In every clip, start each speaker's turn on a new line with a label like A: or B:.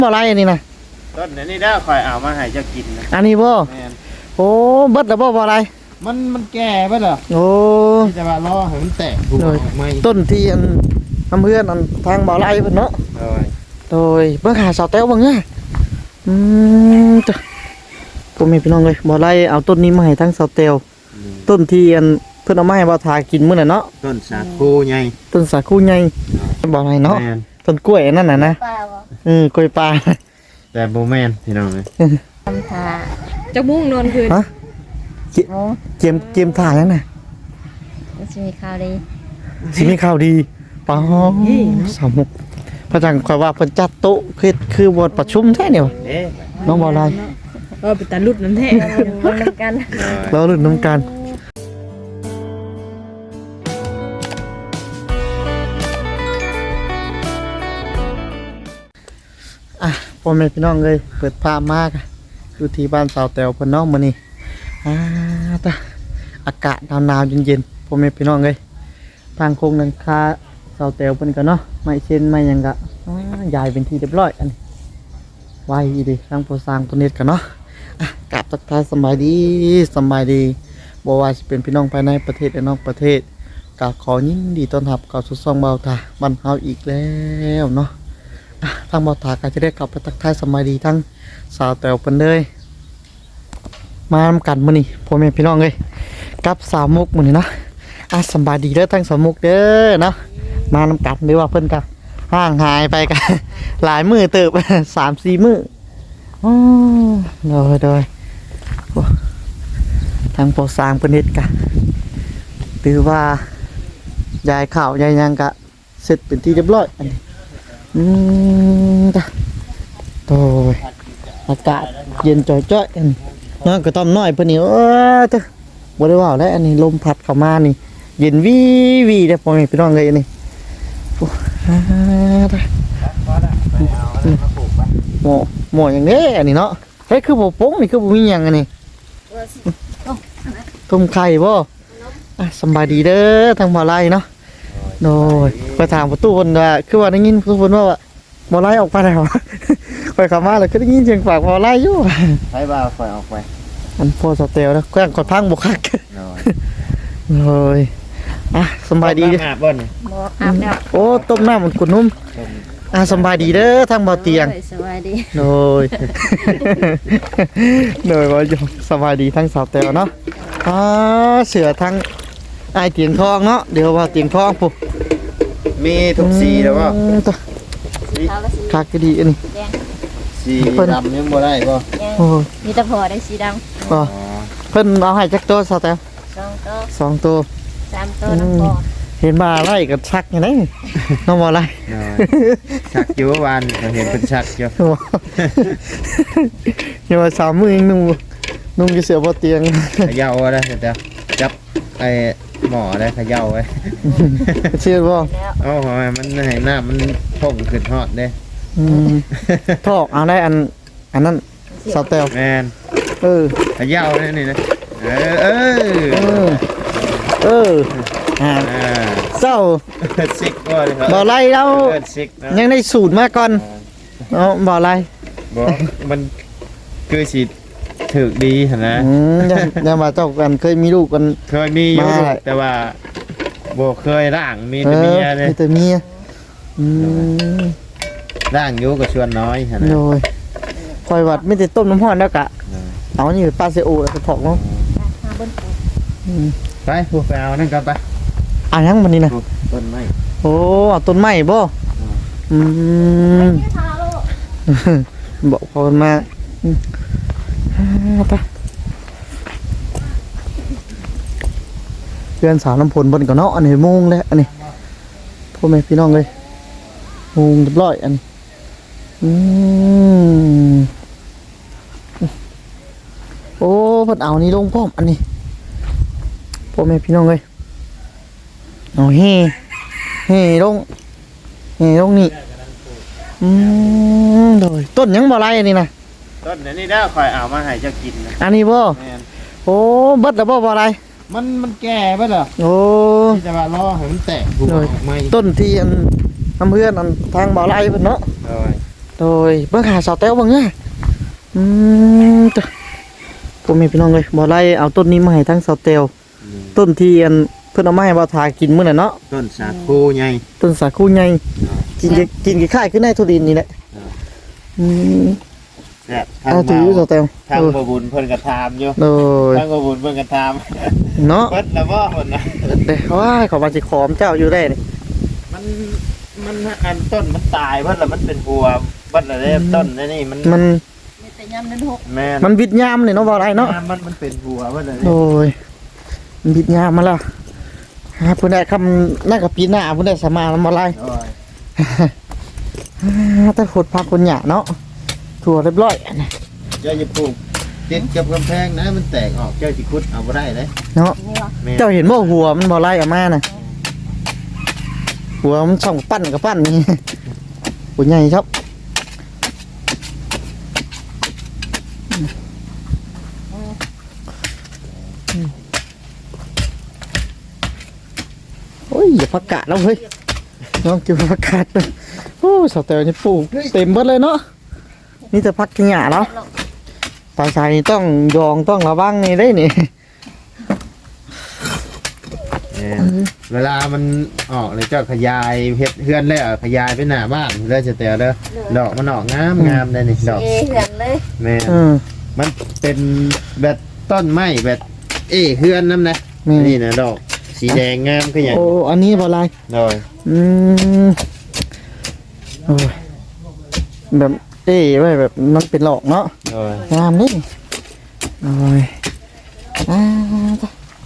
A: บ่ไรอันนี้นะ
B: ต้นนี้ได้คอยเอามาให้เจ้ากินนะ
A: อันนี้บ่
B: แม่น
A: โอ้เบิดแล้วบ่ไร
B: มันแก่ไปเหรอ
A: โอ้
B: ที่จะมารอให้มันแตกถูกไหม
A: ต้นที่อันน้ำเพื่อนอันทางบ่ไรเพิ่นเนาะ
B: โดย
A: โดยเบิ่งหาสาวแต้วเบิ่งเนี่ยจ้ะผมมีพี่น้องเลยบ่ไรเอาต้นนี้มาให้ทั้งสาวแต้วต้นที่อันเพิ่นเอามาให้บ่าวทากินมื้อน่ะเนาะ
B: ต้นสาคูไง
A: ต้นสาคูใหญ่บ่ไรเนาะ
B: แม่น
A: ต้นกล้วยนั่นน่ะนะ
C: เปล่าก
A: ล้วยปลา
B: แต่โบแมนพี่น้องเลย
C: ทำทา
D: จะมุ่งนอนคืน
A: ฮะ
C: โอ้
A: เกมถ่ายแล้วน่ะ
C: มันจะมีข่าวดี
A: สิมีข่าวดีป้าสามุกพระจังคอยว่าเพิ่นจัดโต๊ะคือบทประชุมแท้เนี่ยวะ
B: เด้
A: น้องบ่ไร
D: เป็นตาลุดนั่นแท้
C: มันนำกัน
A: เราลุ้นน้ำกันอ่ะพ่อแม่พี่น้องเลยเปิดภาพมากอยู่ที่บ้านสาวแต๋วเพิ่นเน้องมื้อนี้ตาอากาศหนาวๆเย็นๆพ่อแม่พี่น้องเลยทางโค้งนังคาสาวแต๋วเพิ่นก็เนาะไม่เช่นไม่หยังก็ยายเป็นที่เรียบร้อยอันนี้ไว้ดีทางโปรสร้างตัวเน็ตกันเนาะกราบทักทายสบายดีบ่ว่าสิเป็นพี่น้องภายในประเทศและนอกประเทศก็ขอยินดีต้อนรับเข้าสู่ช่องเบาตาบ้านเฮาอีกแล้วเนาะทางเบาตาก็จะได้กลับไปทักทายสบายดีทั้งสาวแต๋วเพิ่นเลยมานำกันมื้อนี้พ่อแม่พี่น้องเอ้ยกับสาวมุกมื้อนี้เนาะสบายดีเด้อทั้งสาวมุกเด้อเนาะมานำกันหรือว่าเพิ่นก็ห่างหายไปกัน หลายมื้อเติบ 3-4 มื้อโดยทางโปรสร้างเพิ่นเฮ็ดกะหรือว่ายายข้าวยายหยังกะเสร็จเป็นที่เรียบร้อยอันนี้จ้ะโดยอากาศเย็นจ่อยๆอันน้อยก็ต้อมน้อยเพิ่นนี่จ้ะบ่ได้ว่าแล้วอันนี้ลมพัดเข้ามานี่เย็นวีเด้อพ่อแม่พี่น้องเอ้ยอันนี้หมออย่างนี้อันนี้เนาะเฮ้ยคือบ่โป้งนี่คือบ่มีหยังอันนี้ต้มไข่บ่สบายดีเด้อทางบ่อไร่เนาะโดยไปถามประตูเพิ่นว่าคือว่าได้ยินประตูเพิ่นว่าบ่อไร่ออกไปแล้ว ไปเข้ามาแล้วก็ได้ยินเสียงปากบ่อไร่อยู่
B: ให้บ่าวคอยออกไป
A: อันพอสเตลนะแกล้งกดพังบ่คัก
B: โดย
A: เลยสบายดี
B: อาบบ่น
C: บ่อาบแล้ว
A: โอ้ต้มน้ำมันกุ่นนุ่มสบายดีเด้อทางบ่อเตียง
C: สบายดี
A: โดย โดยว่าอยู่สบายดีทั้งสาวแตวเนาะเสือทั้งไอเตียงทองเนาะเดี๋ยวว่าเตียงทองปุ๊บ
B: มีทุกสีแล้วก็
C: ขาวกับสี
A: คักก็ดีอันนี้
C: แดง
B: สีดำยังบ่ได้ป่ะ
C: แดง
A: โอ้ย
C: มีแตะพอได้สีด
A: ก็เพิ่นเอาให้จักตัวสาวแตว
C: ำ2 ตัว
A: 2 ตัว
C: 3 ตัวน้ำพอ
A: เห็นมาไล่กับชักอย่างนี้น้องบ่ไล่
B: ชักอยู่วันเห็นเป็นชักอยู่
A: อย่ามา3 มื้อเองนุ่งจะเสือบ่เตียง
B: เขย่าอะไรเดี๋ยวจับไอ้หมอได้เขย่าไว้
A: เชื่อบ่
C: แล้ว
B: โอ้โหมันให้หน้ามันพุ่งขึ้นฮอดเด้
A: ทอกเอาได้อันนั้นสาวแตว
B: แมน
A: เออ
B: เขย่าได้นี่นะเออ
A: เจ้า
B: ซิกก็เลยครับ
A: บ่ไล่แล้ว
B: ซิกนะ
A: ยังได้สูตรมาก่อนเอาบ่ไล่
B: บอกมันคือสิถึกดีนะ
A: ยังมาเจ้ากันเคยมีลูกกัน
B: เคยมีอยู่
A: มา
B: แต่ว่าบ่เคยร่างมีแต่เมียเลย
A: มีแต่เมีย
B: ร่างอยู่กับชวนน้อยนะ
A: โดยคอยวัดไม่ได้ต้มน้ำร้อนแล้วกะเอานี่ปลาเซโอแล้วก็ถอกเนาะ
C: มาบนปู
B: ไปพวกไปเอานั่นกันไป
A: อ่ะยังมันนี่นะ
B: ต้นไม้
A: โอ้เอาต้นไม้บ่บอกพอมาไปเพื่อนสาวน้ำพลบนก่อนเนาะอันนี้โมงแล้วอันนี้พ่อแม่พี่น้องเลยโมงเรียบร้อยอันนี้โอ้เพิ่นเอานี่ลงพร้อมอันนี้พ่อแม่พี่น้องเลยเอาเฮ่ลงนี่โดยต้นยังบ่ไรอันนี้นะ
B: ต้นนี้ได้คอยเอามาให้เจ้ากินนะ
A: อันนี้บ่
B: แม่น
A: โอ้เบิดแล้วบ่ไร
B: มันแก่ไปเหรอ
A: โอ้
B: ที่จะมารอให้มันแตกถูกไหม
A: ต้นที่อันน้ำเพื่อนอันทางบ่อไร่เพิ่นเนาะ
B: โดย
A: โโดยเบิ่งหาสาวแต้วเบิ่งเนี่ยตัวผมมีพี่น้องเลยบ่ไล่เอาต้นนี้มาให้ทั้งสาวแต้วต้นที่อันเพิ่นเอามาให้บ่าวทากินมื้อน่ะเนาะ
B: ต้นสาคูใหญ่
A: ต้นสาคูใหญ่กินคล้ายๆขึ้นในทุดินนี่แหละอืม
B: แซ่บทาง
A: เอาถือสาวแต้ว
B: ทางบ่บุญเพิ่นก็ถามอยู่
A: โดย
B: ทางบ่บุญเพิ่นก็ถาม
A: เนาะ
B: เบิดแล้วบ่เพิ่นน่ะ
A: เด้ว้ายขอมาสิขอมเจ้าอยู่ได้นี่
B: มันอันต้นมันตายเบิดแล้วมันเป็นหัวเบิดแล้วเด้ต้นนี่มัน
A: มัน
C: มีแต่ยำนั้นหก
B: แม่น
A: มันวิดยามนี่เนาะบ่ได้เนาะ
B: มันเป็นหัวเบิดแล้ว
A: โดยมันวิดยามมาแล้วฮะเพิ่นได้คำน่ากับปีหน้าเพิ่นได้สมาแล้วบ่ไล่
B: โอ้ย
A: ถ้าขุดพักคนหยาเนาะถั่วเรียบร้อย
B: เจ้าอย่าปลูกติดกับกำแพงนะมันแตกออกเจ้าสิขุดเอาบ่ได้เลย
A: เนาะ
C: นี่วะ
B: แม่น
A: เจ้าเห็นว่าหัวมันบ่ไล่ออกมาน่ะหัวมันช่องปั้นกับปั้นนี่หัวใหญ่ครับโอ้ยอย่าพักกาดแล้วเฮ้ยน้องกินพักกาดเลยโอ้สาวเต๋อนี่ปลูกเต็มเบิดเลยเนาะนี่จะพักกินหญ้าแล้วปลาชายนี่ต้องยองต้องระวังนี่ได้นี่
B: แม่นเวลามันออกเลยเจ้าขยายเฮ็ดเฮือนเลยขยายไปหน้าบ้านเลยจะแต่เด้อดอกมันออกงามได้นี่ดอก
C: เหือนเลย
B: แม่น
A: เออ
B: มันเป็นแบบต้นไม้แบบเฮือนนำนะ
A: แม่น
B: นี่นะดอกสีแดงงามคือหยัง
A: โอ้อันนี้บ่ไร
B: โดย
A: อืมโอ้ยแบบไว้แบบมันเป็นหลอกเนาะ
B: โดย
A: งามนี่โอ้ยอ่าจ้ะ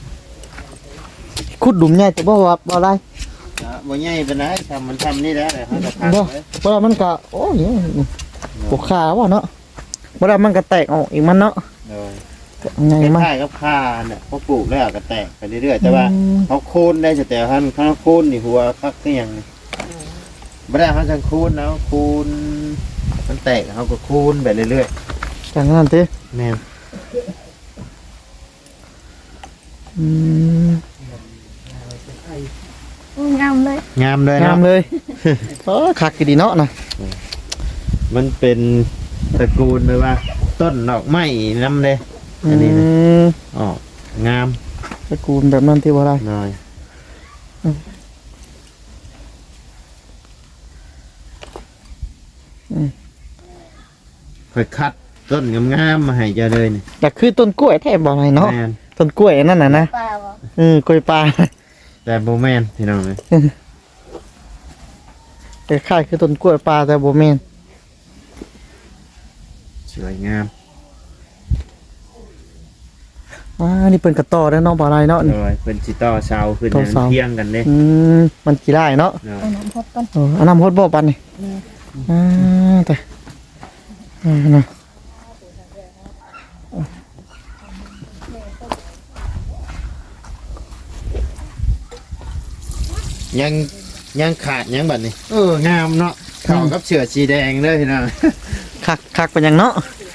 A: ขุดหลุมใหญ่จะบ่ว่าบ่ไร
B: บ่ใหญ่ปานใดทำมันทำนี่แล้วเลยเขาจะพัก
A: บ่
B: ไว้
A: บ่ว่ามันก็โอ้ยปวดขาว่ะเนาะบ่ว่ามันก็แตกออกอีกมันเนาะ
B: โดย
A: ใหญ่
B: ค
A: มาก
B: ล้ายๆกับข่าเนี่ยพอปลูกแล้วก็แตกไปเรื่อยๆแต่ว่า
A: อืม
B: เขาโค่นได้แต่ท่านเขาโค่นนี่หัวคักคือหยังนี่บ่ได้เขาจังโค่นแล้วโค่นมันแตกเขาก็โค่นไปเรื่อย
A: จังนั้นติ
B: ๆแม่น
A: อืม
C: งามเลย
B: งามเลย
A: งาม
B: เนาะ
A: เลยเออคักอีดีเนาะนะ
B: มันเป็นตระกูลเลยว่า ต้นดอกไม้นำเลย อันนี้นะ
A: ม
B: อ๋อ งาม
A: ตระกูลแบบนั้นที่บ่ไร
B: หน่อย ค่อยคัดต้นงามๆมาให้เจ้าเลยนี่
A: แต่คือต้นกล้วยแท้บ่ไรเนาะ
B: แม่น
A: ต้นกล้วยนั่นน่ะนะ
C: ปลาวะ
A: กล้วยปลา
B: แต่โบแมนพี่น้องเลย
A: แต่คล้ายคือต้นกล้วยปลาแต่บ่แม่น
B: สวยงาม
A: นี่เป็นกระต่อแล้วเนาะบ่ไรเนาะ
B: โดยเป็นจิต่อเสาขึ้น
A: ต่อเสา
B: เที่ยงกันเลย
A: มันกี่ไร่เนาะ
B: เนาะ
C: เอาน้ำพดก่อน
A: อันน้ำพดบ่ปันนี่แต่นะ
B: ยังขาดยังบัดนี้งามเนาะเข้ากับเสื้อสีแดงเลยพี่น้อง
A: คักเป็นหยังเนาะ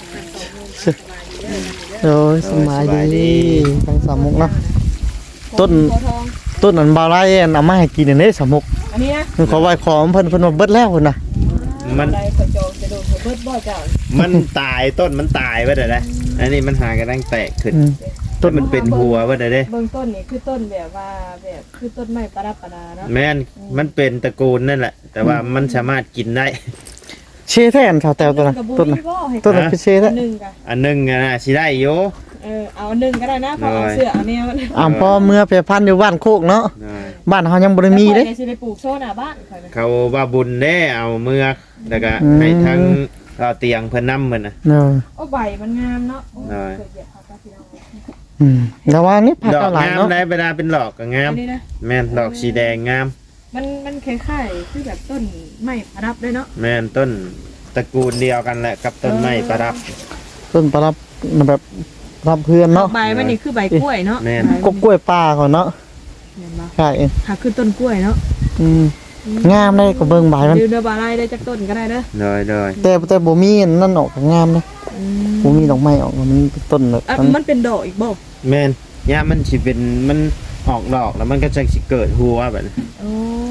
A: โอ้ยสบายดีทั้งสามมุกเนาะต้น
C: หัวทอง
A: ต้นอันบ่ไรอันเอามาให้กินอันนี้สามมุก
D: อันนี้นะ
A: มันขอไว้ขอเพิ่นมาเบิดแล้วเพิ่นน่ะ
B: มัน
D: อะไรเขาโจจะโดนเขาเบิดบ่อยจ้ะ
B: มันตายต้นมันตายไปเด้อนะอันนี้มันหากำลังแตกขึ้น
A: ต้น
B: มันเป็นหัวไปเด้อเด้
D: เบื้องต้นนี่คือต้นแบบว่าแบบคือต้นไม้ประดับประดาเนาะ
B: แม่นมันเป็นตระกูลนั่นแหละ แต่ว่ามันสามารถกินได้
A: เชแท้อันชาวแตวตัวน่ะ
D: กระบุ
A: ต้นน่ะ
D: ยบ่ให้
A: ต้นน่ะคือเชแท้
D: อันหนึ่งกะ
B: อันหนึงอะนะสิได้อยู่
D: เอาอันหนึ่งก็ได้นะเพราะเอาเสื้อเอาแนว
A: พอเมื่อไปพันอยู่บ้านโคกเนาะ
B: เนาะ
A: บ้านเฮายังบ่ได้มีเด้
D: ในสิได้ปลูกโซนหน้าบ้านข่อยนะ
B: เขาว่าบุญเด้เอาเมือกแล้วก็ให้ทั้งเอาเตียงเพิ่นนำมันน่ะ
A: เนาะ
D: โอ้ใบมันงามเนาะโอ้
B: ได้
D: เคยเหยียบเขาก็พี่น้อง
A: แล้วว่านี่ผัก
B: ดอก
A: เอาหลาย
B: งาม
A: เนาะ
B: ได้เวลาเป็นดอกก็งาม
D: อันนี้นะ
B: แม่นดอกสีแดงงาม
D: มันคล้ายๆคือแบบต้นไม้ประดับด้วยเนาะ
B: แม่นต้นตระกูลเดียวกันแหละกับต้นไม้ประดับ
A: ต้นประรับแบบรับเพื่อนเนาะ
D: ใบมันนี่คือใบกล้วยเนาะ
B: แม่น
A: กกล้วยป่าก่อนเนาะ
D: เห็นปะ
A: ใช่
D: หาคือต้นกล้วยเนาะ
A: งามได้ก็เบิ่งใบมัน
D: ดูเดอบาไลได้จากต้นก็ได้เด้อ
B: เลย
A: แต่บ่มีอันนั่นออกก็งามนะ
D: อื
A: บ่มีดอกไม้ออกมันเป็นต้นแบบ
D: อ่ะมันเป็นดอกอีกบ่
B: แม่นย่ามันสิเป็นมันออกดอกแล้วมันก็จะสิเกิดหัวแบบนี้
D: โอ้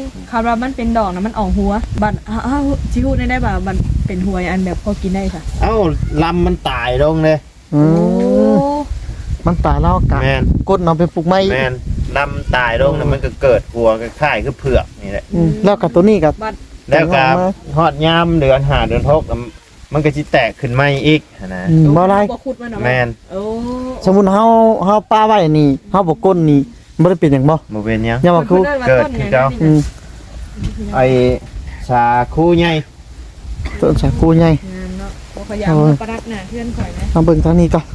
D: คารามันเป็นดอกนะมันออกหัวบัดอ้าวจิฮู้ได้บ่ามันเป็นหัวอันแบบพอกินได้ค่ะ
B: เอ้าลำมันตายลงเลย
A: อืมมันตายแล้วกะ
B: แม่น
A: กดเอาไปปลูกไม้
B: แม่นลำตายลงแล้วมันก็เกิดหัวคล้ายๆคือเผือกนี่แหละ
A: แล้วกับตัวนี้กับ
D: บัด
B: แล้วก็ฮอดยามเดือน5เดือน6มันก็สิแตกขึ้นใหม่อีกนะ
A: บ่ไร
D: บ่ขุดมันเนาะ
B: แม่น
D: โอ้
A: สมมุติเฮาป้าไว้นี่เฮาบ่ก้นนี่บ่ได้เป็นหยังบ่
B: บ่เป็นหยัง
A: อย่ามาคู
B: เกิดขึ้นเจ้า
A: อืม
B: ไอ้ชาคูใหญ่
A: ต้นสาคูใหญ่
D: งานเนาะบ่ขยันมาประดับหน้าเพื่อนข่อยนะ
A: เอาเบิ่งทางนี้ก่อน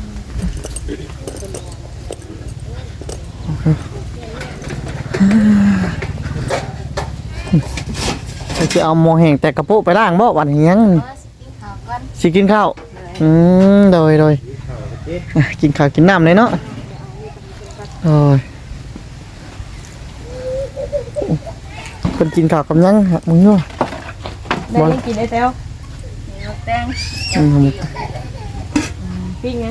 A: จะเอาหมอแห้งแต่กระโปะไปล้างบ่วันนี้ยัง
C: กินข้าวก่อน
A: สิกินข้าวโดยอ่ะกินข้าวกินน้ำเลยเนาะโอ้ยเพิ่นกินข้าวกับหยังฮะมึงเนาะ
D: ได้ยังกินได้แต้ว
C: มีมะแตง
A: อืม
D: ปิ้งไง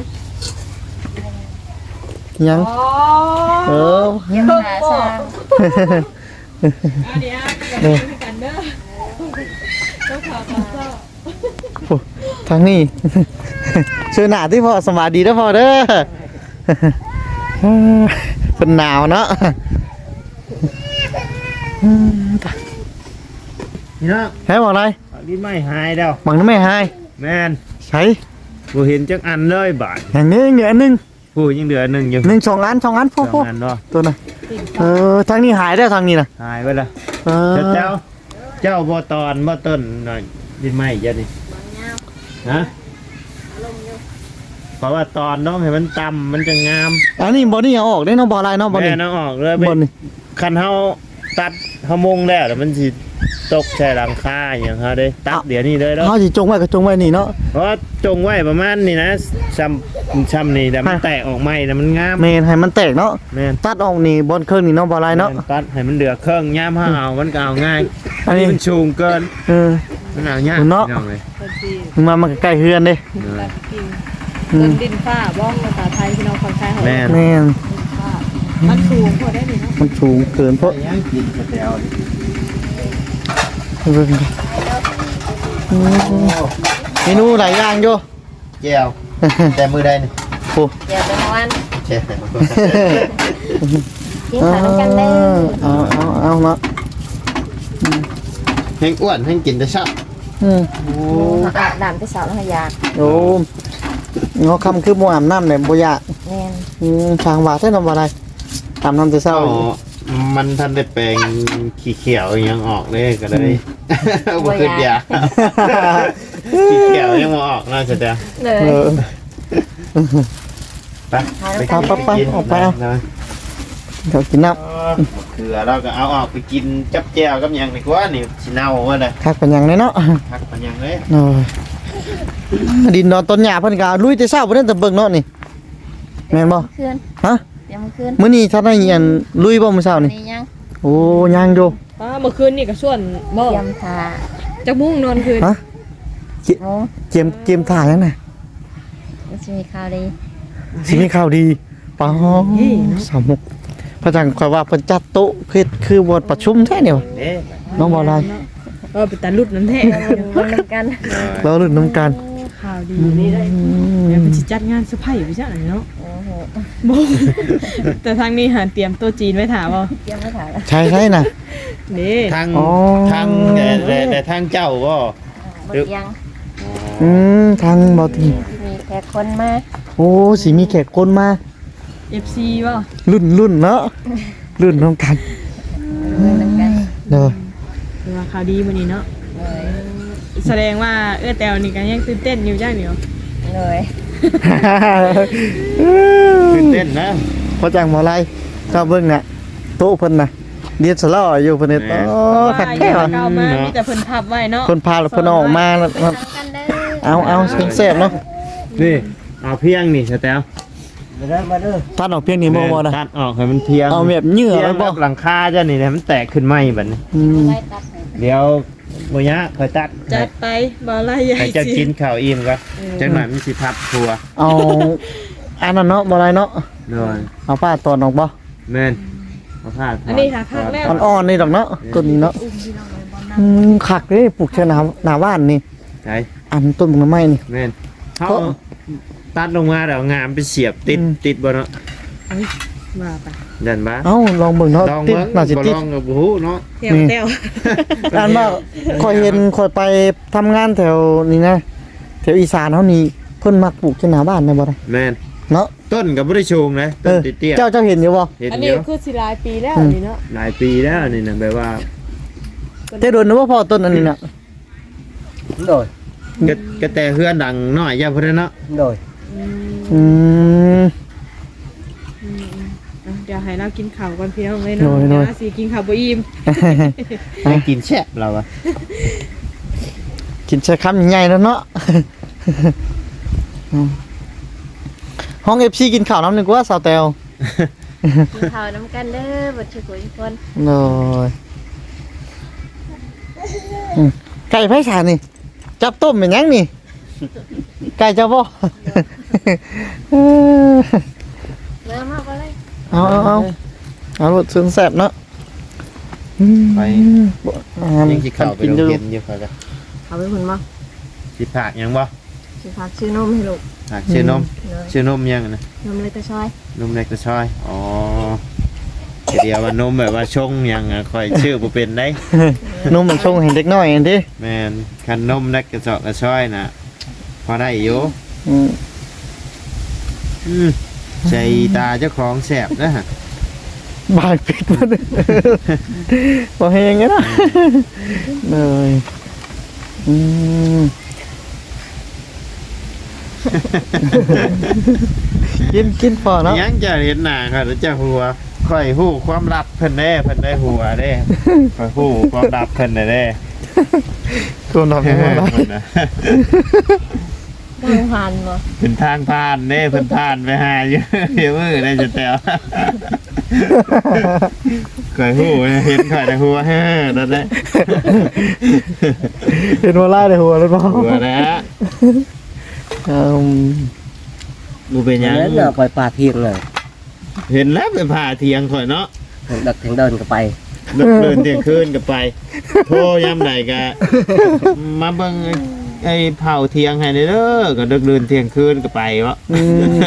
A: ยัง
D: อ๋อ
A: เออ
C: เกี่ยวหาซาง
D: อันนี้อ่ะกับกันเด้อต้องข่าวข่าวเศร้า
A: โอ้ทางนี้ ช่วยหนาที่พอสมาดีแล้วพอเด้อ เป็นหนาวเนาะ
B: นี่เนาะ
A: ให้บอกอะไร
B: ลิ้นไม่หายแล้ว
A: บังน้ำไม่หาย
B: แม่น
A: ใช้
B: บ่เห็นจักอันเลยบาด
A: อย่างนี้เหลือหนึ่ง
B: ผู้ยังเหลือหนึ่งอยู่
A: หนึ่งสองอันพ่อ
B: สองอันเนาะ
A: ตัวน่ะทางนี้หายได้วทางนี้น่ะ
B: หายไปละ
A: เออ
B: เจ้าบ่ตอนบ่ต้นหน่อยดินไม้เยอะนี่ฮะเพราะว่าตอนน้องให้มันต่ำมันจะงาม
A: อันนี้บอนี่เอาออกได้เนาะบอลายเนาะบอ
B: แม่
A: นี่
B: น้องออกเลย
A: บอนี่
B: คันเฮาตัดเฮามงแล้วแล้วมันสิตกใส่หลังคาอย่างเฮาได้ตัดเดี๋ยวนี้เลยเนาะ
A: เขาสิจงไว้ก็จงไว้นี่เนาะ
B: เพราะว่าจงไว้ประมาณนี้นะช้ำนี่แต่มันแตกออกใหม่นะมันงาม
A: เมนให้มันแตกเนาะ
B: แม่น
A: ตัดออกนี่บอลเครื่องนี่เนาะบอลายเนาะ
B: แม่ตัดให้มันเหลือเครื่องย่ามเฮาเอามันก็เอาง่าย
A: อันนี้
B: มันสูงเกิน
A: เออ
B: มันเอายาก
A: เนาะ
B: พี่องเลย
D: คนจีน
A: มึงมามันก็ใกล้เฮือนเด้
D: แบบกินต้นดินฟ้าบ้องภาษาไทยที่เราคนไทยเขา
B: แม่น
A: แม่น
D: ฟ้ามันสูงพอได้ดีเนาะ
A: มันสูงเกินเพราะ
B: ยังกินกระเตียว
A: เบิ่งดิเมนูหลายอย่างอยู่
B: แก้วแต่มือใดนี่
A: โอ้
C: เดี๋ยวจะวัน
B: แก้ว
C: กินข้าวด้วยกันเด้อ
A: เอาเนาะ
B: แห้งอ้วนแห้งกินแต่เช้า
A: อืม
B: โอ้
C: อาบน้ำไปสาวแล้วอยาก
A: โอ้เงาคำคือบ่อาบน้ำเนี่ยบ่อยาก
C: แม่น
A: ทางว่าแท้นำบ่ได้อาบน้ำแต่เช้า
B: เจ้ามันทันได้แปลงขี้เขียวยังออกเลยก็เลยบ่ขึ้นยาขี้เขียวยังบ่ออกน่าจะเด้อ
C: เล
A: เอย อ
B: ไปไป
A: ไป
B: กิน
A: ออกไปเอา
B: นะ
A: เดี๋ยวกินน้
B: เขือเราก็เอาออกไปกินจับแก้วกับหยังดีกว่านี่สิเน่าว่าน่ะ
A: ำคักเป็นหยังเลยเนาะ
B: พักมันยังเลย
A: โอ้ยดินนอนต้นหญ้าเพิ่นก็ลุยแต่เช้าบ่ได้แต่เบิ่งเนาะนี่แม่นบ่
C: คืน
A: ฮะ
C: เดี๋ยวมื้อคืน
A: มื้อนี้ท่านได้อันลุยบ่มื้อเช้านี่
C: นี่ยัง
A: โอ้ยังอยู่
D: เมื่อคืนนี่ก็ส่วนบ่
C: เตรียมทา
D: จะมุ่งนอนคืน
A: ฮะ
C: โอ้
A: เกมถ่ายยังน่ะ
C: มันจะมีข่าวดี
A: สิมีข่าวดีป้าสามมุกพระจังข่อยว่าเพิ่นจัดโต๊ะคือบทประชุมแท้เนี่ยวะ
B: เด้
A: น้องบ่อะไร
D: เป็นตาลุดน้ำแท้
C: มันนำกัน
A: เราลุ้นน้ำกัน
D: ข่าวดีนี่ได้เดี๋ยวมันจะจัดงานเซอร์ไพรส์ไปจ้ะเนาะ
C: โอ้โห
D: บ่แต่ทางนี้หาเตรียมโต๊ะจีนไว้ถามว่า
C: เตรียมไม่ถ่ายแล้ว
A: ใช่น่ะ
D: นี่
B: ทาง
A: อ๋อ
B: ทางแต่ทางเจ้าก็
C: หมดยัง
A: ทางบ่ที
C: มีแขกคนมา
A: โอ้สิมีแขกคนมา
D: FC บ่
A: รุ่นเนาะรุ่นน้ำกัน
C: มันนำกัน
A: เด้อ
D: คือว่าข่าวดีมื้อนี้เนาะ
C: เลย
D: แสดงว่าแตวนี่ก็ยังตื่นเต้นอยู่จ้าเหนียว
C: เลย
B: ตื่นเต้นนะ
A: พระจังบ่อะไรก็เบิ่งน่ะโต๊ะเพิ่นน่ะเดียดสลออยู่เพิ่นเนี่ยโอ้คักแท้
D: ว่า
A: ว่ะ
D: เก่ามามีแต่เพิ่นพับไว้เนาะ
A: เพิ่นพาแล้วเพิ่นเอาออกมาแล้ว
C: นำกันเด้อ
A: เอาแซ่บๆเนาะ
B: นี่เอาเพียงนี่สแตล
A: ตัดออกเพียงนี้บ่นะ
B: ตัดออกให้มันเพียง
A: เอาแบบเหงื่อ
B: เพีย
A: ไว้
B: ง
A: บ่
B: แบบหลังคาจ้ะนี่ให้มันแตกขึ้นไหมบัดนี้
A: อืม
C: ไล่ตัดให้
B: เดี๋ยวบ่ยะค่อยตัด
D: จัดไปบ่ไล่ใหญ่
B: ให้เจ้ากินข้าวอิ่มก่อนจังหน่อยมันสิพับทัว
A: เอาอันนั้นเนาะบ่อะไรเนาะ
B: หน่อย
A: เอาป้าตอนออกบ่
B: แม่นเอเอาผ้า
D: อันนี้ค่ะครั้งแรก
A: อ่อนๆนี่ดอกเนาะต้นนี้เนาะ
D: อุ้มพี่น้องเลยบอลน้
A: คักเลยปลูกเชอหนาบ้านนี่
B: ใช่
A: อันต้นมันไม้นี่
B: แม่นเขาตัดลงมาแล้วงามไปเสียบติดบ่เนาะ
D: ำมาไป
B: ดันบ้า
A: เอ้าลองเบิ่งเนาะ
B: ลอง
A: ติด
B: เบิ่ง
A: น่าสิ
B: บ่
A: ติด
B: ลองกับหูเนาะ
D: เที่ยวเที่ยว
A: อันว่าคอยเห็นคอยไปทำงานแถวนี้นะแถวอีสานเฮานี่เพิ่นมักปลูกเชอหนาบ้านได้บ่ได้
B: แม่น
A: เนาะ
B: ต้นก็บ่ได้ชูงนะต้นเตี้ย
A: เจ้าเห็นอยู่บ่
B: ๆเห็น
D: อัน
B: อ
D: นี้
B: ยู่
D: คือสิหลายปีแล้วอันนี้เนาะ
B: หลายปีแล้วนี่นะแบบว่า
A: แต่โดนนะว่าพอต้นอันนี้น่ะ
E: โดย
B: ก็แต่เฮือนดังน้อยอย่าพุ่นเนาะ
E: โดย
A: อืม
D: เดี๋ยวให้เรากินข้าวก่อนพี่น้องเลยเนาะเดี๋ยวสิกินข้าวบ่อิ่ม
B: ให้กินแซ่บเราอะ
A: กินใช้คำใหญ่ๆแล้วเนาะ ห้อง FC กินข้าวน้ำหนึงกว่าสาวแตว
C: กินข้าวน้ำกันเด้อบ่ทุกคน
A: โอ้ยไก่ไผ่สารนี่ จับต้มเป็นหยังนี่ ไก่เจ้าบ่
C: มาบ่เลย
A: เอารถซึ้งแสบเนาะ
B: ไป
A: อ่า
B: ยังสิเข้าไป
A: กิน
B: โรง
A: ดู
B: เรียนอยู่ค่ะก็
C: เอาไปหุ่นบ่
B: สิผากยังบ่
C: สิฝากชื่อนมให้ลูก
B: ผากชื่อนม
C: เนาะ
B: ชื่อนมยังนะ
C: นมเลยตะชอย
B: นมเล็กกระชอยอ๋อเดี๋ยวว่านมแบบว่าชงยังอะค่อยชื่อบ่เป็นได้
A: นุ่มมันชงให้เด็กน้อยอันดิ
B: แม่นคันนมเล็กกระเจาะกระชอยน่ะพอได้อยู่
A: อืม
B: ใจตาเจ้าของแสบนะฮะ
A: บายปิดมาเลยบ่เฮงไงนะเลยอืมกินพอเนาะ
B: ยังจะเห็นหน้าค่ะหรือจะหัวค่อยฮู้ความลับเพิ่นได้หัวเด้ค่อยฮู้ความลับเพิ่นได้
A: ตัวนอนไม่หมดแล้ว
B: เพิ่นน่ะ
C: บ่หันบ่
B: เป็นทางผ่านเด้เพิ่นผ่านไปหาอยู่ เดี๋ยวมือได้จะแตวค่อยฮู้เห็นค่อยแต่หัวนั่นแหละ
A: เห็นว่าไล่ในหัวแล้วเปล่า
B: หัวนะ
A: อืม
B: บ่เป็นหยัง
E: นั้นน่ะปล่อยปลาเพียงเลย
B: เห็นแล้วไปผ่าเทียงข่อยเนาะ
E: ดักถึงเดินก็ไป
B: เดินเที่ยงคืนก็ไปโทรยามใดก็มาเบิ่งไอ้เผาเทียงให้เด้อก็ดึกเดินเที่ยงคืนก็ไปวะ
A: อืม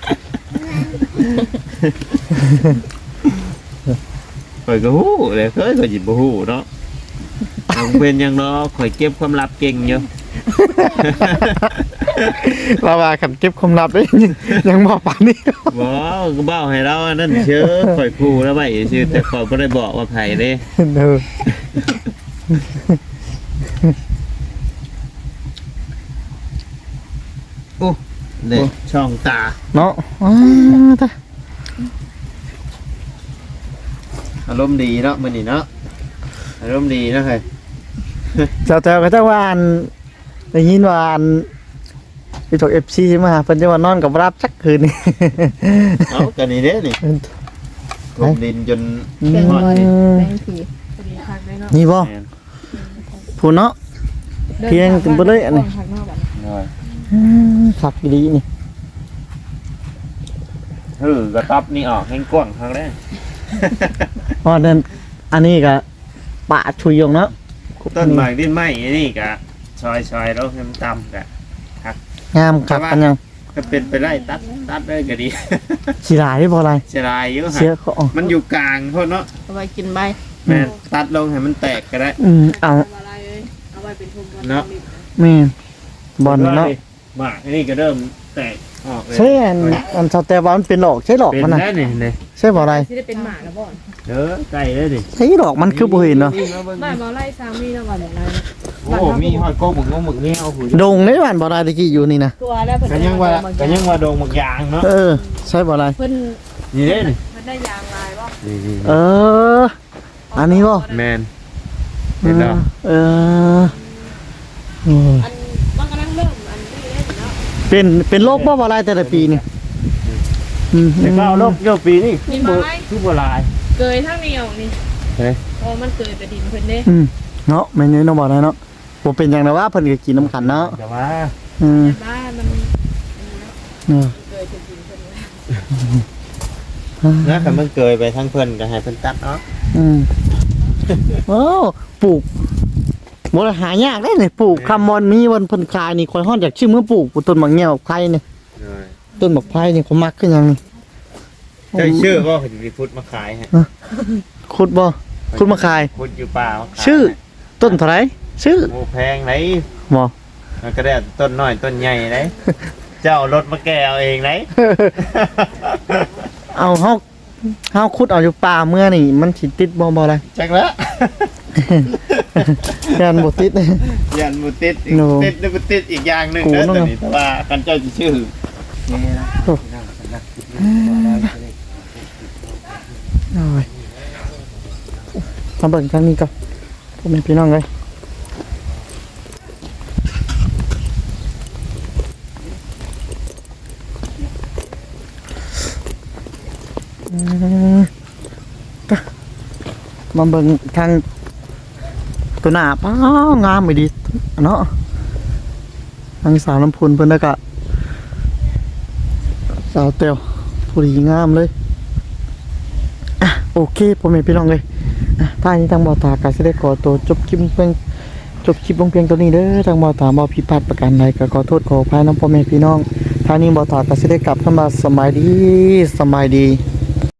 B: ข่อยก็ฮู้เลยเคยก็หยิบบ่ฮู้เนาะมันเป็นหยังเนาะข่อยเก็บความลับเก่งอยู่
A: เราว่าขันเก็บความลับได้ยังบอกป่านนี้
B: บ่ก็เบ้าให้เราอันนั้นเชื่อข่อยคู่แล้วไว้ชื่อแต่ข่อยบ่ได้บอกว่าไผเด้
A: เด้อ
B: โอ้เด็กช่องตา
A: เนาะตา
B: อารมณ์ดีเนาะมื้อนี้เนาะอารมณ์ดีเนาะเฮ้ย
A: เจ้าก็จะว่าอันได้ยินว่าอันไปถก FC มาเพิ่นจะว่านอนกับรับสักคืนนี่
B: เอ้าก็นี่เด้นี่กลมดินจน
C: แบ่ง
B: ฮอด
C: บ่
B: นี่
C: แบ่งผี
D: พอดีคักเลยเนาะ
A: นี่บ่
B: แม่น
A: ผู้เนาะ เพียงถึงบ่เลยอันนี้
D: คักเนาะบัดนี้
B: น้อย
A: ขับดีนี่
B: กระตับนี่ออกแห้งกว้างครั้งแรก
A: อ๋อนั่นอันนี้ก็ปะชุยยงเนาะ
B: ต้นไม้ดินไม้นี่กะซอยๆแล้วให้มันต่ำกะ
A: งามขับกันยัง
B: ก็เป็นไปได้ตัดได้ก็ดี
A: สิหลายบ่อะไร
B: เสียดายอยู่
A: เสีย
B: ฮะ
A: เขาออก
B: มันอยู่กลางโทษเนาะ
C: เอาไว้กินใบ
B: แม่นตัดลงให้มันแตกก็ได้
A: เอา
D: ทำอะไรเอ้ยเอาไว้เป็นทุนบอล
B: เนาะ
A: แม่นบอลเนาะ
B: หมากนี่ก็เริ่มแตกออกเลย
A: ใช่อันชาวแต่ว่ามันเป็นหลอกใช่หลอก
B: เป็น
A: มันน่ะ
B: ได้นี่เลย
A: ใช่บ่อะไร
D: ที่ได้เป็นหมาแล้วบ่อน
B: เด้อใกล้เลยดิ
A: ใช่หลอกมันคือบ่เห็นเนาะ
D: บ้านมาไล่สามีแล้วบ้านอะไร
B: โอ้มีหอยโก้หมึกงหมึกนี่เอาหู
A: ดงในบ้านบ่อะไรตะกี้อยู่นี่นะ
D: ตัวแล้วเพิ่น
B: ก็ยังว่าโดงหมึกยางเนาะ
A: ใช่บ่อะไร
D: เพิ่น
B: นี่เด้นี่
D: เพิ่นได้ยางลายบ่
B: นี่
A: อันนี้บ่
B: แมนเห็นแล้ว
A: โอ้ย
D: อันมันกำลังเริ่มอันนี้ได้เนาะ
A: เป็นโรคบ่อะไรแต่ละปีนี่
B: แต่ก็เอาลบโยปีนี่
D: มีมาไหม
B: คือโบราณ
D: เกยทั้งนี้ออกนี่
B: เฮ้ย
D: อ๋อมันเกยไปดินเพิ่นเด้
A: เนาะไม่เนี่ยน้องบ่อะไรเนาะบ่เป็นหยังนะว่าเพิ่นก็กินน้ำขันเนาะ
B: แต่ว่า
D: บ้านมัน
A: เออ
D: เกยไปดินเพิ่น
B: นะคันมันเกยไปทั้งเพิ่นก็ให้เพิ่นตัดเนาะ
A: อืมโอ้ปลูกบ่ได้หายากได้นี่ปลูกคำมอนมีวันเพิ่นขายนี่ข่อยฮ้อนอยากชื่อมื้อปลูกต้นหมากแง้วไผ่นี่ต้นหมากไผ่นี่เขามักคือหยังนี่
B: เจ้าชื่อบ่เพิ่นสิพุดมาขายให้
A: ขุดบ่ขุดมาขาย
B: พุดอยู่ป่ามาขาย
A: ชื่อ ต้นเท่าไหร่ชื่อ
B: โอ้แพงไหน
A: บ่
B: มันก็ได้ต้นน้อยต้นใหญ่ไหนเจ้าเอารถมาแก่เอาเองไหน
A: เอาเฮาขุดเอาอยู่ป่าเมื่อนี่มันสิติดบ่ล่ะ
B: จักแล้ว
A: แม่นบ่ติด
B: ยันบ่ติดอีก
A: โน่
B: ติดนึงบ่ติดอีกอย่างหนึง
A: กู
B: เด้อ
A: เนาะ
B: ตัวนี้แต่ว่าคันเจ้าสิชื่อ
A: โอ้ยมาเบิ่งทางนี้ก่อนพ่อแม่พี่น้องเอ้ยตะมาเบิ่งทางตัวหน้าป้างามไปดีเนาะทางสาวน้ำพุนเพิ่นแล้วก็สาวเตียวผู้ดีงามเลยอ่ะโอเคพ่อแม่พี่น้องเลยอ่ะท่านี้ทางบ่อตากาสิได้ขอตัวจบคลิปลงเพียงตัวนี้เด้อทางบ่อตาบ่ผิดพลาดประการใดก็ขอโทษขออภัยน้องพ่อแม่พี่น้องท่านี้บ่อตากาสิได้กลับเข้ามาสมัยดี